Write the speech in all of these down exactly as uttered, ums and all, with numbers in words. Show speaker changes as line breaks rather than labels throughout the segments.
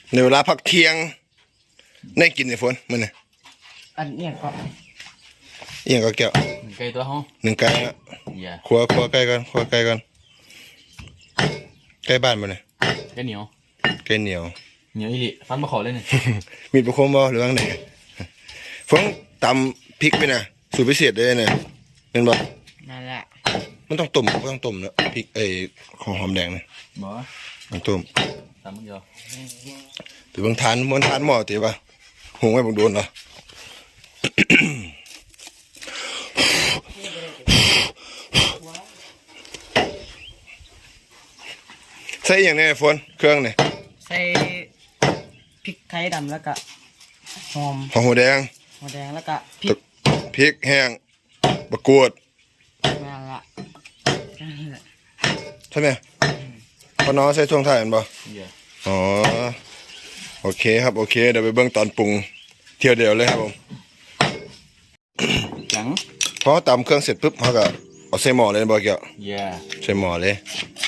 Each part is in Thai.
ในเวลาพักเที่ยงได้กินในฝนมันเนี่ย
อันเนี้ยก็
เอียงก็แก้ว
หนึ่งไก่ตัวห้อง
หนึ่งไก่นะครัวครัวไก่กันครัวไก่กันไก่บ้านมันเนี่ย
ไก่เหนียว
ไก่เหนียว
เหนียวอีหลีฟันมาขอเลยเนี่ย
มีดประคมบ่หรือว่าไงฝนตำพริกไปนะสูตรพิเศษเลยเนี่ยเป็นบ่
นั่นแหละ
มันต้องต้มก็ต้องต้มเนาะพริกไอ้ของหอมแดงเนี่ย
บ่
ต้องต้ม
ตำมึงเดียว
ถือบางทานมันทานหม้อตีป่ะหุงไว้บางโดนเหรอใส่อย่างนี้ฝนเครื่องเนี่ย
ใส่พริกไทยดำแล้วก็หอม
หอมหัวแดง
หัวแดงแล้วก็พริก
พริกแห้งบะกรูด
นั่นแหละ
ใช่ไหมพอน้องใส่ช่วงท้ายมันบ่อ๋อโอเคครับโอเคเดี๋ยวไปเบิ่งตอนปรุงเที่ยวเดียวเลยครับผม
จัง
พอตำเครื่องเสร็จปุ๊บเขาก็เอาใส่หม้อเลยบ่เกี่ยวใส่หม้อเลย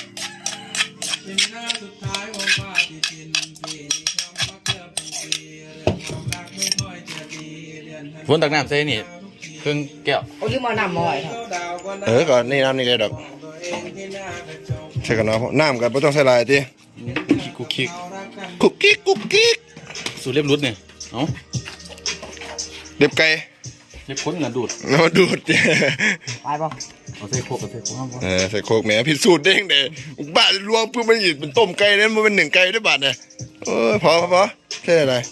ฝนตักน้ำใส่นี่เครื่องแก้ว
โอ้ยมาน้ำมอยครับ
เออก่อนนี่น้ำนี่เลยดอกใช่กันเนาะน้ำกันไม่ต้องใส่ลายที
กุ๊กกิ๊ก
กุ๊กกิ๊กกุ๊กกิ๊ก
สูตรเล็บรุดเนี่ยเอ้า
เล็บไก่
เล็บค้นเงินดูด
น้ำดูด
ไปป่ะ
เอาใส่โคกเอาใส่โคกห้าม
เออใส่โคกแหมพิสูจน์เด้งเด้บ้านรวงเพื่อมันหยิบเป็นต้มไก่เนี่ยมันเป็นหนึ่งไก่ด้วยบาทเนี่ยเออพอพอใช่อะไร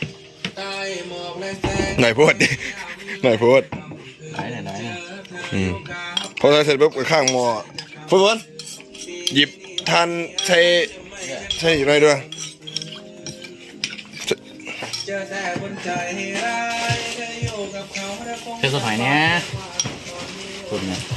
หน่อยพูดดิหน่อยพูด
ไหนไหนไหน
อืมพอใส่เสร็จปุ๊บข้างหม้อฝนหยิบทานใส่ใส่อะไรด้วย
เส้นสดหอยเนี่ยสุดเนี่ย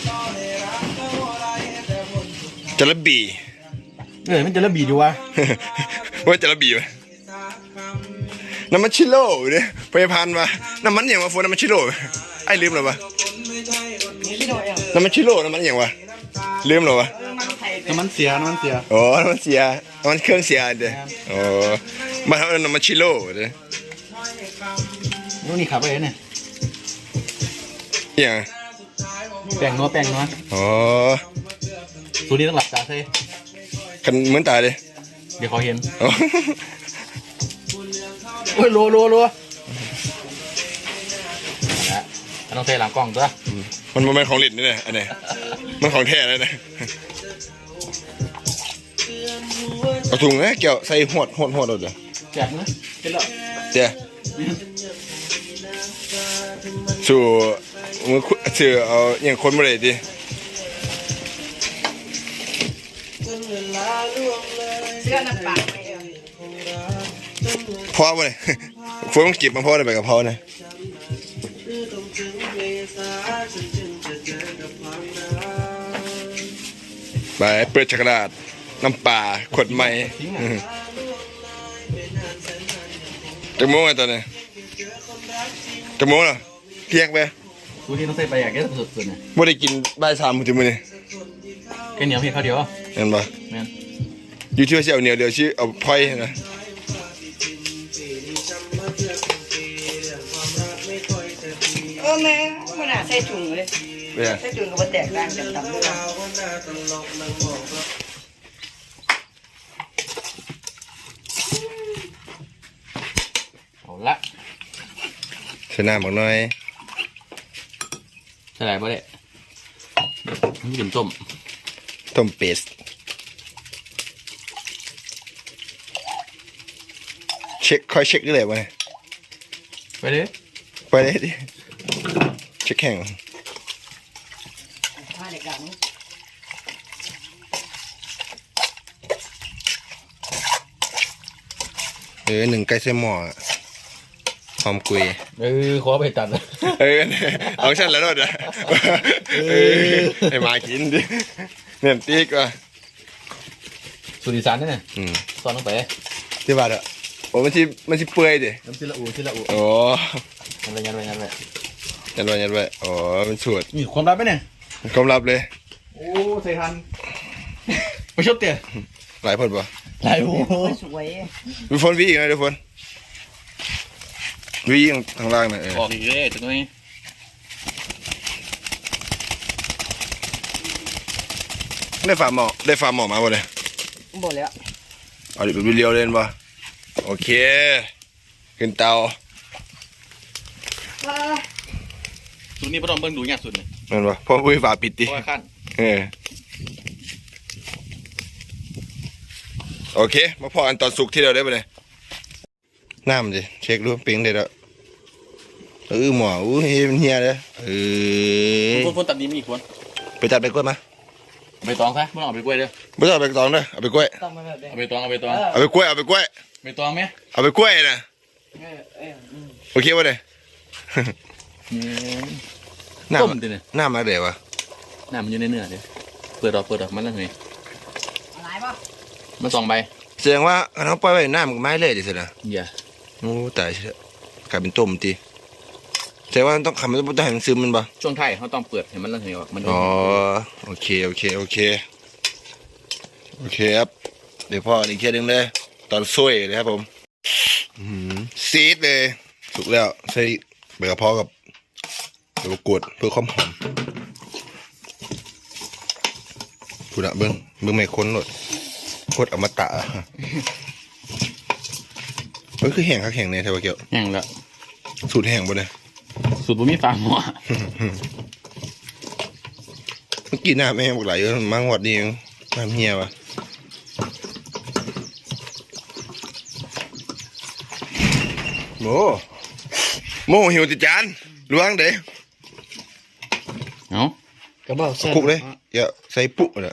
จระบี่
เออมันจระบี่ดูวะ
ว่าจระบี่ไหมน้ำมันชิโร่เนี่ยไปพันมาน้ำมันอย่างวะฝนน้ำมันชิโร่ไอ้ลืมหรอวะน้ำมันชิโร่น้ำมันอย่างวะลืมหรอวะ
น้ำมันเสียน้ำมันเสีย
โอ้น้ำมันเสียน้ำมันเครื่องเสียเด้อโอ้มาทำน้ำมันชิโร่เด้อ
นู่นนี่ขับไปเนี่ย
อย่าง
แป้งนัวแป้งนัว
อ๋อ
สูตรนี้ต้องหลับตาใช่
กันเหมือนตายเลย
เดี๋ยวเขาเห็นโอ้ยโลโลโลนะต้องใส่หลังกล้องตัว
มันมันของหลินนี่เนี่ยอันนี้มันของแท้เลยนะเอาถุงนะเกี่ยวใส่หวดหวดหวดเลย
แจกนะเป็นหรอ
เจ้าสู่มือเสือเอาอย่างคนมาเลยดิ
เสื้อน้ำปลาไม่เอ
อพ่อมาเลยฝนต้องจีบมาพ่อเลยไปกับพ่อเลยไปเปิดช็อกโกแลตน้ำปลาขวดใหม่จะโม้ไงตอนนี้จะโม้เหรอเที่ยงไป
สูตรนี้ต้องใส่ไปอย่างแก่สุดๆเนี่ย
ไม่ได้กินใบสามถึงมือนี่
แค่เหนียวเพียงข้าวเดียว
เห็นปะอยู่ที่ว่าเสี่ยวเหนียวเดียวชื่อเอาพอยนะ
เออแม่มันอ่ะใส่ถุงเลยใส่ถุงก็มาแตกต่างจากตำเลย
เอาละ
ใส่น้ำบักหน่อย
ใส่อะไรบ้างเนี่ยนี่เป็นต้ม
ต้มเป็ดเช็คคอยเช็คได้เลยวะ
ไปเลย
ไปเลยดิเช็คแข่งเออหนึ่งไก่เส้นหม้อหอมกุย
เออขอไปตัดเลย
เออเอาฉันแล้วด้วยเออให้มากินดิเนี่ยตีกว่า
สุริสานนี่เนี่ยตอนลงไป
ที่บ้านอ่ะโอ้มันชิมันชิเปื่อยดิ
น้ำชิละอูชิละอู
โอ้
ยันไปยันไปยันไป
ยันไปยันไปอ๋อมันสวด
นี่ความลับไหมเนี่ย
ความลับเลย
โอ้ใส่ทันไม่ชอบเตะ
หลายคนปะ
ไหลโอ้
สวย
มีฝนวีอีกนะเดี๋ยวฝนวียิงทางล่างนะเออ
ออกอีกเลยตรงนี้
ได้ฟาร์มหมอได้ฟาร์มหมอมาบ่เลย
บ่แล้ว
เอาดิเป็นเรียวเล่นปะโอเคขึ้นเตา
สุดนี้พ่อต้องเบิ่งดูยากสุดเลย
นั่นปะพ่อปุ้ยฝาปิดดิ
เพราะว่าขั้น
เออโอเคมาพออันตอนสุกที่เราได้ไปเลยน้ำดิเช็คดูปิ้งเด็ดแล้วเออหมออู้เฮียมันเฮียเลยเออ
ฝนฝนตัดนี้มีอีกคน
ไปจัดไปกล้วยมา
ใบตองซะไม่ต้องเอาไปกล้วยเด้อ
ไม่ต้องเอาไปตองเด้อเอาไปกล้วย
ต้องมาแบบนี้
เอาไปตองเอาไปตอง
เอาไปกล้วยเอาไปกล้วย
ใบตองไหม
เอาไปกล้วยนะ
เออเออ
โอเคป่ะเนี่ย น้
ต้มดิเนี่ย
ำน้ำมาเดี๋ยววะ
น้ำมันอยู่ในเนื้อเด้อเปิดออกเปิดออกมันแล้วไง
อะไรป่ะ
มันสองใบ
แสดงว่าเขาปล่อยไว้น้ำกับไม้เลยดิสินะ
อย่า
โอ้ตายเชียวกลายเป็นต้มตีแสดงว่าต้องทำมันต้องให้มันซึมมันปะ
ช่วงไทายเขาต้องเปิดให้มันแล้วไงมัน
อ๋อโอเคโอเคโอเคโอเคครับเดี๋ยวพ่ออีกแค่นึงเลยตอนซุยเลยครับผมอื้อหือซีดเลยสุกแล้วใส่ใบกระเพราะกับใบมะกรูดเพื่อความหอมพูดอะเบิ้งเบิ้งไม่ค้นหมดโคตรอมตะอะเฮ้ยคือแห้งครับแห้งเนี่ยใช่ปะเกี่ยว
แห้งแล้ว
สูตรแห้งบ่เลย
สูตรบุมีฟาร์มหม้อ
เมื่อกี้น้ำแม่งบอกไหลเยอะมังหวัดนี่เองน้ำเฮียวะโมโมหิวติจานล้วงเด้
เอ้าก
ระบอกเส้น
คลุกเลยอย่าใส่ปุ๊เลย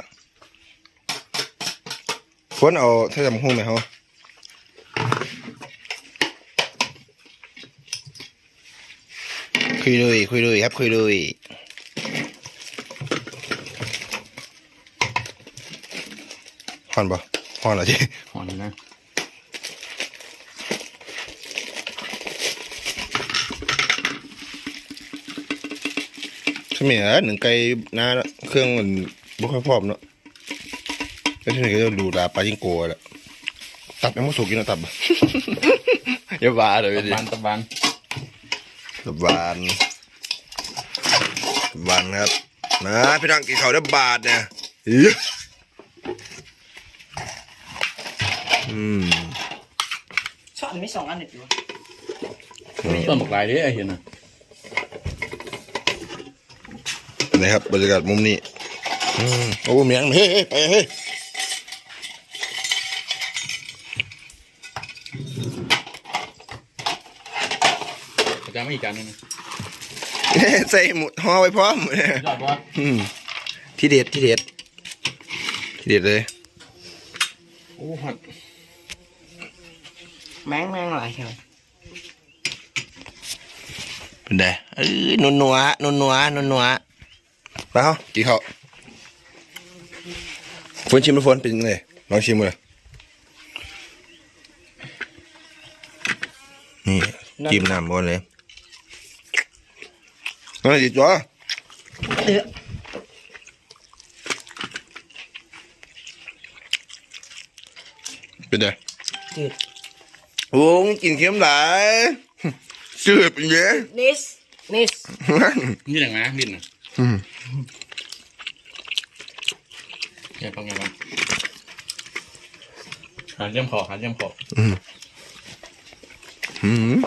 ฝนเอาถ้าจำหุ้มไหมเขาคุยเลยคุยเลยครับคุยเลยฮอนปะฮอนเหรอจี
หอนนะ
ใช่ไหมอ่ะหนึ่งไก่น้าเครื่องมันบุค่อยพร้อมเนาะแล้วที่นี่ก็จะดูดาปลาจิงโกะแหละตับยังไม่สุกกินนะตับ อย่าบ้าเลย
ตะ
ดิ
บานตะบาน
ตับบานตับบานครับมาพี่น้องกินข้าวได้บาทเนี่ยอิ๊ยอืม
ช้อนมีสองอันเด็ดอยู่
ต้นบักลายเด้อไอ้เห็นน่ะ
นะครับบรรยากาศมุมนี้อืมโอ้เมียงเฮ้ยเฮ้ยไปเฮ้ย
อาจารย์ไม่อีกการนึงนะ
ใส่หมุดห่อไว้พร้อมเนี่ย
ยอดวะ
อืมที่เด็ดที่เด็ดที่เด็ดเลย
โอ้หัน
แมงแมงหลายเชียว
เป็นไงเอ้ยนัวนัวนัวนัวนัวนัวมาเฮากินข้าวฝนชิมไหมฝนเป็นยังไงลองชิมเลยนี่จิ้มน้ำบนเลยนั่นดิจ้า
เออ
เป็นไง
จืด
โอ้ยกินเค็มหลายจืดเป็นเยอะ
นิสนิส
นี่แหละนะดินน่ะ
อืม
ไงบ้างไงบ้างหาเยี่ยมขอหาเยี่ยมขอ
อืมอืม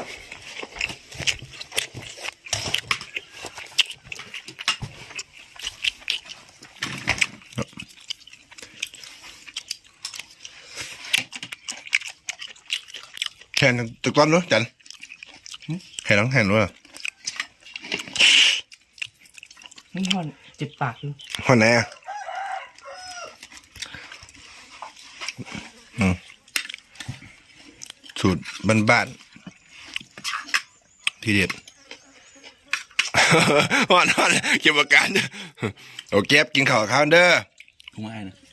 แห่นตึกต้นด้วยจันแห่นน้องแห่นด้วย
นี่ห่อนจิบปากอยู่
คนไหนอ่ะอืมสูตรบ้านๆที่เด็ด ฮอนฮอนเก็บอาการเด้อโอเคกินข้าวข้าวเด้อ
คุ้มง่ายนะ